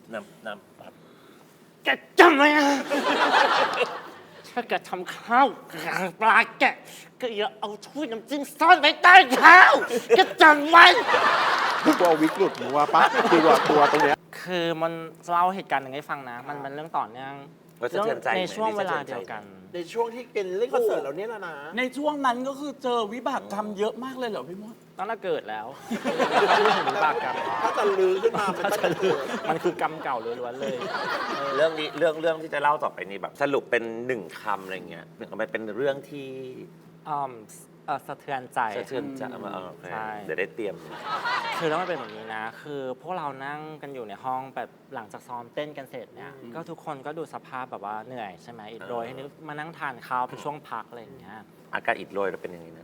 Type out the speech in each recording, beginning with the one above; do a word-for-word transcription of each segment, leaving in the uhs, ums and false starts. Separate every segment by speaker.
Speaker 1: น้ำน้ำครับ
Speaker 2: แกจำไว้นะถ้าแกทำข้าวกลางปลาแกก็อย่าเอาถ้วยน้ำจิ้มซ่อนไว้ใต้ข้าวแกจำไว้
Speaker 3: กลัววิกหลุดหนูว่าปะกลัวกลัวตรงเนี้ย
Speaker 2: คือมันเล่าเหตุการณ์หนึ่งให้ฟังนะ มันเป็นเรื่องต่อเนื่อง
Speaker 1: ว่าสะเทือนใจไหม
Speaker 2: ในช่วงเวลาเดียวกัน
Speaker 3: ในช่วงที่เป็นเล่นคอนเสิร์ตเราเนี่ยนะนะ
Speaker 4: ในช่วงนั้นก็คือเจอวิบากกรรมเยอะมากเลยเหรอพี่มด
Speaker 2: ตั้งแต่เกิดแล้วพูดถึงวิบากกรรม
Speaker 3: ถ้าจะลือขึ้นมามันก็จะเกิด
Speaker 2: มันคือกรรมเก่าล้วนๆเลย
Speaker 1: เรื่องนี้เรื่องเรื่องที่จะเล่าต่อไปนี้แบบสรุปเป็นหนึ่งคำอะไรเงี้ยมันเป็นเรื่องที่
Speaker 2: อืมเอ่อสะเทือนใจ
Speaker 1: สะเทือนใจมาโอเค
Speaker 2: ใช่
Speaker 1: เดี๋ยวได้เตรียม
Speaker 2: คือแล้วมันเป็นแบบนี้นะ คือพวกเรานั่งกันอยู่ในห้องแบบหลังจากซ้อมเต้นกันเสร็จเนี่ย ก็ทุกคนก็ดูสภาพแบบว่าเหนื่อยใช่ไหมอิดโรยให้นึกมานั่งทานข้าวเป็นช่วงพักอะไรอย่างเงี้ย
Speaker 1: อาการอิดโรยเราเป็นยังไงนะ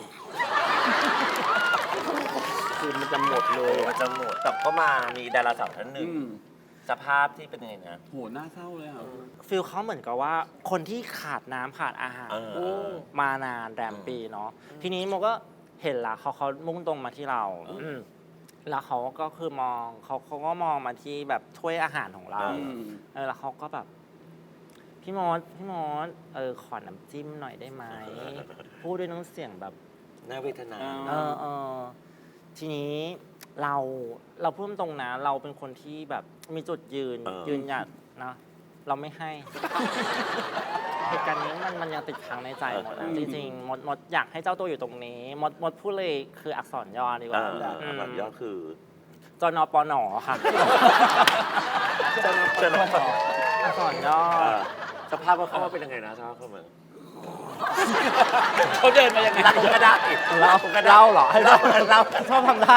Speaker 3: คือมันจะหมดเลย
Speaker 1: มันจะหมดแต่ก็มามีดาราสาวท่านหนึ่ง
Speaker 4: อืม
Speaker 1: สภาพที่เป็นยังไงนะ
Speaker 4: โหน่าเศร้าเลยอ่ะ
Speaker 2: ฟิลเขาเหมือนกับว่าคนที่ขาดน้ำขาดอาหาร
Speaker 1: เออ
Speaker 4: โอ้
Speaker 2: มานานแรมปีเนาะ ทีนี้โมก็เห็นละเขาเขามุ่งตรงมาที่เราอืมแล้วเขาก็คือมองเขาเขาก็มองมาที่แบบถ้วยอาหารของเรา
Speaker 4: อืม
Speaker 2: เออแล้วเขาก็แบบ พี่มดพี่มดเออขอน้ำจิ้มหน่อยได้ไหม พูดด้วยน้ำเสียงแบบ
Speaker 1: น่าเวทนา
Speaker 4: อ่า
Speaker 2: เออเออทีนี้เราเราพูดตรงนะ เราเป็นคนที่แบบมีจุดยืน
Speaker 1: เออ
Speaker 2: ยืนหยัดนะเราไม่ให้ เหตุการณ์นี้มันมันยังติดค้างในใจหมดนะจริงๆมดมดอยากให้เจ้าตัวอยู่ตรงนี้มดมดพูดเลยคืออักษรย่อดีก
Speaker 1: เอ
Speaker 2: ว่า
Speaker 1: อแบบยอดคือ
Speaker 2: จนปนค่ะ
Speaker 1: จะน
Speaker 2: อักษรย่อ
Speaker 1: สภาพว่าเขาว่าเป็นยังไงนะสภาพเขาเหมือน
Speaker 4: เขาเดินมายังไง
Speaker 1: เล่าก็ได้
Speaker 2: เล่าเล่าเหรอให้เล่าเล่าชอบทำได้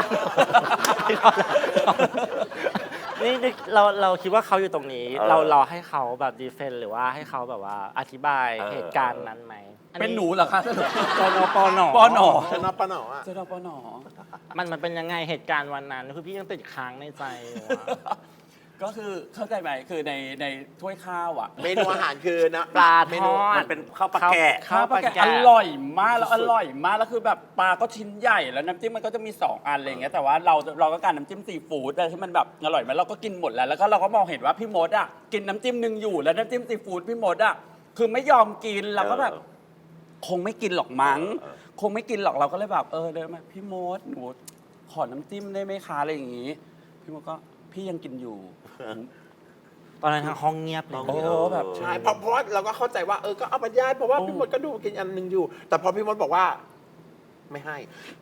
Speaker 2: นี่นี่เราเราคิดว่าเขาอยู่ตรงนี้ เราเราให้เขาแบบดีเฟนต์หรือว่าให้เขาแบบว่าอธิบายเหตุการณ์นั้นไหม
Speaker 4: เป็นหนูเหรอคะ
Speaker 2: จนปน
Speaker 4: ปอหนอ
Speaker 3: ชนะปะหนออ่ะ
Speaker 4: เจอปอหนอ
Speaker 2: มันมันเป็นยังไงเหตุการณ์วันนั้นคือพี่ยังติดค้างในใจอยู่อะ
Speaker 4: ก็คือเข้าใจไหมคือในในถ้วยข้าวอ่ะ
Speaker 3: เมนูอาหารคือนะ
Speaker 2: ปลา
Speaker 3: เม
Speaker 2: ท
Speaker 3: นู
Speaker 2: อด
Speaker 1: มันเป็นข้าวปลาแกะ
Speaker 2: ข้าวปลาแกะ
Speaker 4: อร่อยมากแล้วอร่อยมากแล้วคือแบบปลาก็ชิ้นใหญ่แล้วน้ำจิ้มมันก็จะมีสองอันอะไรอย่างเงี้ยแต่ว่าเราเราก็การน้ำจิ้มซีฟู้ดอะไรที่มันแบบอร่อยไหมเราก็กินหมดแล้วแล้วก็เราก็มองเห็นว่าพี่มดอ่ะกินน้ำจิ้มหนึ่งอยู่แล้วน้ำจิ้มซีฟู้ดพี่มดอ่ะคือไม่ยอมกินเราก็แบบ คงไม่กินหรอกมั้ง
Speaker 1: เออ
Speaker 4: คงไม่กินหรอกเราก็เลยแบบเออเดินมาพี่มดหนูขอน้ำจิ้มได้ไหมคะอะไรอย่างงี้ พี่มดก็พี่ยังกินอยู่
Speaker 2: ตอนนั้นทางห้องเงียบเลย
Speaker 4: โอ้แบบ
Speaker 3: ใช่เพราะเพราะว่าเราก็เข้าใจว่าเออก็เอาไปย่ายเพราะว่า
Speaker 4: โอ้
Speaker 3: พี่มดก็ดูกินอันหนึ่งอยู่ แต่พอพี่มดบอกว่า ไม่ให้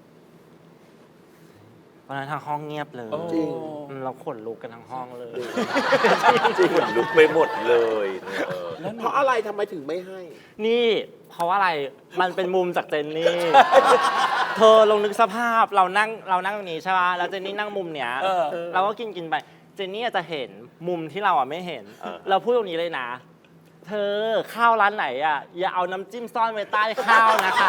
Speaker 2: ตอนนั้นทางห้องเงียบเลย
Speaker 4: โอ้
Speaker 3: จริง
Speaker 2: อืมเราขนลุกกันทั้งห้องเลย
Speaker 1: จริงเหมือนลุกไปหมดเลยเออ
Speaker 4: แล้วหนู
Speaker 3: เพราะอะไรทำไมถึงไม่ให้
Speaker 2: นี่เพราะว่าอะไร มันเป็นมุมจากเจนนี่ เธอลองนึกสภาพเรานั่งเรานั่งตรงนี้ใช่ป่ะ แล้วเจนนี่นั่งมุมเนี้ย
Speaker 4: เออ
Speaker 2: เราก็กินกินไป เจนนี่อาจจะเห็นมุมที่เราอ่ะไม่เห็น
Speaker 1: เออ
Speaker 2: เราพูดตรงนี้เลยนะ เธอข้าวร้านไหนอ่ะอย่าเอาน้ำจิ้มซ่อนไว้ใต้ข้าวนะคะ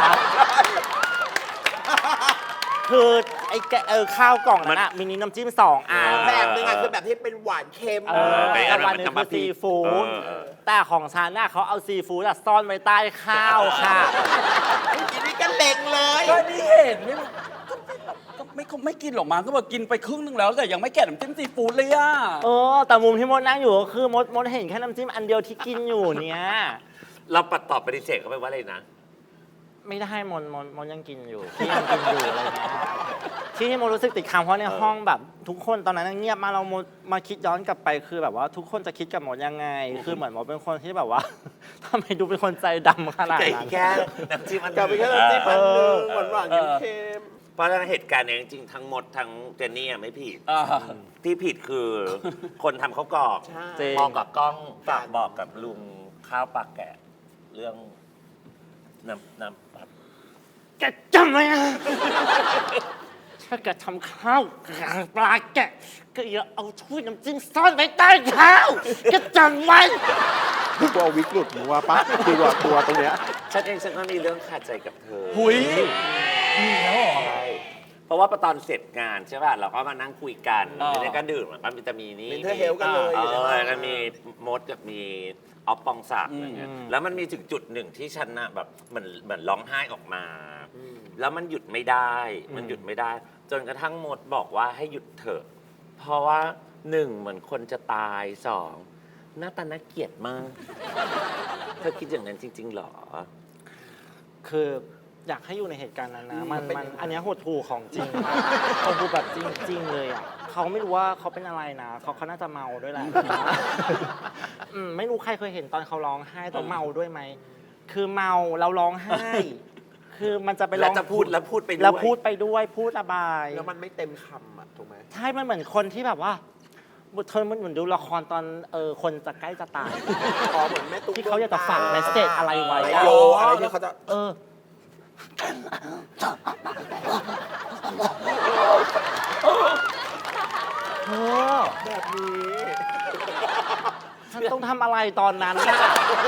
Speaker 2: คือไอ้แกเออข้าวกล่องนั้นอ่ะมีน้ำจิ้มสองอัน
Speaker 3: แบบหนึงอ่ะคือแบบที่เป็นหวานเค็ม
Speaker 2: เออ
Speaker 1: ไป
Speaker 2: แต่
Speaker 1: อันนั้น
Speaker 2: วันหนึง
Speaker 1: มัน
Speaker 2: คื
Speaker 1: จะ
Speaker 2: อ
Speaker 1: มา
Speaker 2: ซีฟู้ด
Speaker 1: เออเออ
Speaker 2: แต่ของฉันน่ะเขาเอาซีฟู้ดอะซ่อนไว้ใต้ข้าวค่ะ
Speaker 3: ทีนี้ก็เล็งเลย
Speaker 4: ก็นี่เห็นไม่ก็ไม่ก็ไม่กินหรอกมั้งก็บอกกินไปครึ่งนึงแล้วแต่ยังไม่แกะน้ำจิ้มซีฟู้ดเลยอ่ะ
Speaker 2: เออ แต่มุมที่มดนั่งอยู่ก็คือมดมดเห็นแค่น้ำจิ้มอันเดียวที่กินอยู่เนี่ย
Speaker 1: เราปัดตอบปฏิเสธเขาไปว่าอะไรนะ
Speaker 2: ไม่ได้มดมดมดยังกินอยู่ที่ยังกินอยู่อะไรเงี้ยที่มดรู้สึกติดค้างเพราะในห้องแบบ ทุกคนตอนนั้นเงียบมากเรามดมาคิดย้อนกลับไปคือแบบว่า ทุกคนจะคิดกับมดยังไง คือเหมือนมดเป็นคนที่แบบว่า ทำไมดูเป็นคนใจดำขนาด
Speaker 1: ไก่
Speaker 2: นั้น
Speaker 1: แค่น้ำจิ้มอัน
Speaker 3: กลับไปแค่น้ำจิ้มอันหนึงหวานหวานๆเค็ม
Speaker 1: เพราะฉะนั้นเหตุการณ์เนี้ยจริงๆทั้งหมดทั้งเจนนี่อะไม่ผิด
Speaker 4: อ่า
Speaker 1: ที่ผิดคือคนทำข้าวกรอก
Speaker 3: ๆใช่
Speaker 2: จริง
Speaker 1: มองกับกล้องฝากบอกกับลุงข้าวปลาแกะ เรื่องน้ำน้ำครับ
Speaker 2: แกจำไว้นะ ถ้าแกทำข้าวกลางปลาแกะก็อย่าเอาถ้วยน้ำจิ้มซ่อนไว้ใต้ข้าวแกจำไว้
Speaker 3: กลัววิกหลุดหนูว่าปะกลัวกลัวตรงเนี้ย
Speaker 1: ฉันเองฉันก็มีเรื่องขาดใจกับเธอ
Speaker 4: หุยมีแล้วเหรอ
Speaker 1: ใช่เพราะว่าตอนเสร็จงานใช่ป่ะเราก็มานั่งคุยกัน
Speaker 4: อ่า
Speaker 1: แล้วก็ดื่มแล้วก็จะมีนี่
Speaker 3: Mental health กันเลย
Speaker 1: เอ
Speaker 3: อยู่ใน
Speaker 1: อ
Speaker 3: ห้อง
Speaker 1: แล้วก็มีมดกับมีออฟปองศักดิ์อะไรเงี้ย
Speaker 2: อืม
Speaker 1: แล้วมันมีถึงจุดหนึ่งที่ฉันน่ะแบบเหมือนเหมือนร้องไห้ออกมา แล้วมันหยุดไม่ได้ มันหยุดไม่ได้ จนกระทั่งมดบอกว่าให้หยุดเถอะ เพราะว่าหนึ่งเหมือนคนจะตายสองหน้าตาน่าเกลียดมากเธอคิดอย่างนั้นจริง ๆ หรอ
Speaker 2: คืออยากให้อยู่ในเหตุการณ์นั้นนะมันมันอันเนี้ยหดหู่ของจริงหดหู่แบบจริง ๆ เลยอ่ะเขาไม่รู้ว่าเขาเป็นอะไรนะเขาเขาน่าจะเมาด้วยแหละอืมไม่รู้ใครเคยเห็นตอนเขาร้องไห้ตอนเมาด้วยไหมคือเมาเราร้องไห้ คือมันจะไปร้
Speaker 1: แล้
Speaker 2: อ
Speaker 1: ว
Speaker 2: ง
Speaker 1: จะพูดแล้วพูดไปด้วย
Speaker 2: แล้วพูดไปด้วยพูดระบาย
Speaker 3: แล้วมันไม่เต็มคำอ่ะถูกไหม
Speaker 2: ใช่มันเหมือนคนที่แบบว่าเธอมันเหมือนดูละครตอนเออคนจะใกล้จะตาย
Speaker 3: อ๋อเหมือนแม่ตุ๊ก
Speaker 2: ที่เขาอยากจะฝากเมสเซจอะไรไว้
Speaker 3: ไว้
Speaker 2: อะ
Speaker 3: โยอะไรที่เขาจะ
Speaker 2: เออเธอ
Speaker 3: แบบนี้
Speaker 2: ฉันต้องทำอะไรตอนนั้นน่ะ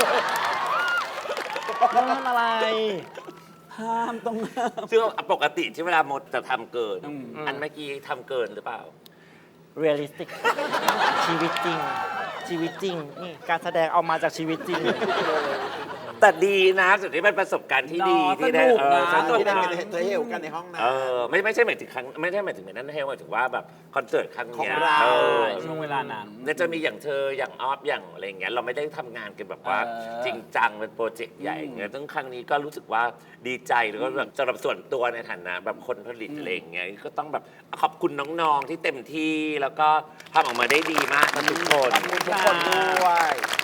Speaker 2: ต้องทำอะไร
Speaker 4: ห้ามต้องห้าม
Speaker 1: ซึ่งปกติที่เวลามดจะทำเกิน
Speaker 4: อืม
Speaker 1: อันเมื่อกี้ทำเกินหรือเปล่า
Speaker 2: เรียลลิสติก ชีวิตจริง ชีวิตจริง นี่การแสดงเอามาจากชีวิตจริง
Speaker 1: แต่ดีนะสุดที่เป็นประสบการณ์ที่ดี
Speaker 4: เนาะ
Speaker 1: ที่ได้
Speaker 4: สนุก
Speaker 1: เออ
Speaker 4: นะ
Speaker 1: สนุก
Speaker 3: ที่ได้
Speaker 1: นะ
Speaker 3: เป็นเทลกันในห้องน้
Speaker 1: เออไม่ไม่ใช่หมายถึงครั้งไม่ใช่หมายถึงนั้นเทลหมายถึงว่าแบบคอนเสิร์ตครั้ง
Speaker 3: ของ
Speaker 1: เนี้ย
Speaker 3: เรา
Speaker 1: เออ
Speaker 4: ช่วงเวลานั้น
Speaker 1: เนี่ยจะมีอย่างเธออย่างออฟอย่างอะไรอย่างเงี้ยเราไม่ได้ทำงานกันแบบว่า
Speaker 4: เออ
Speaker 1: จริงจังเป็นโปรเจกต์ใหญ่อย่างเงี้ยซึ่งครั้งนี้ก็รู้สึกว่าดีใจแล้วก็แบบสำหรับส่วนตัวในฐานะแบบคนผลิตอะไรอย่างเงี้ยก็ต้องแบบขอบคุณน้องๆที่เต็มที่แล้วก็ทำออกมาได้ดีมากนะทุกคน
Speaker 3: ำขอบคุณทุกคนด้วย